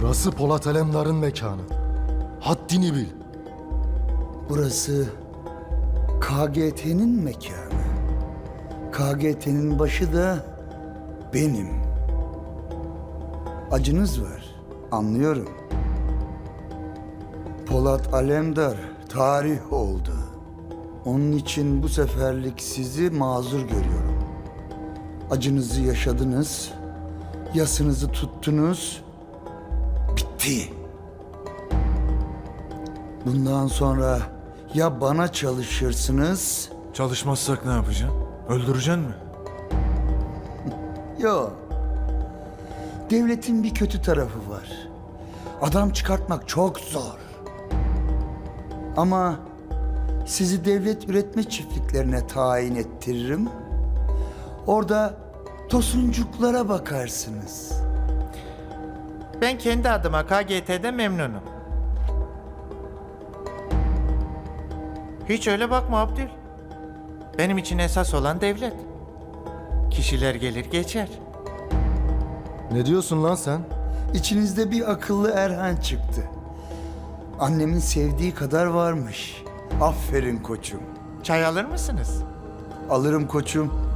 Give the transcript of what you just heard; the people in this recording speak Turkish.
Burası Polat Alemdar'ın mekanı. Haddini bil. Burası KGT'nin mekanı. KGT'nin başı da benim. Acınız var, anlıyorum. Polat Alemdar tarih oldu. Onun için bu seferlik sizi mazur görüyorum. Acınızı yaşadınız, yasınızı tuttunuz, bitti. Bundan sonra ya bana çalışırsınız, Çalışmazsak ne yapacaksın? Öldüreceksin mi? ya devletin bir kötü tarafı var. Adam çıkartmak çok zor. Ama sizi devlet üretme çiftliklerine tayin ettiririm. Orada tosuncuklara bakarsınız. Ben kendi adıma KGT'de memnunum. Hiç öyle bakma Abdül. Benim için esas olan devlet. Kişiler gelir geçer. Ne diyorsun lan sen? İçinizde bir akıllı Erhan çıktı. Annemin sevdiği kadar varmış. Aferin koçum. Çay alır mısınız? Alırım koçum.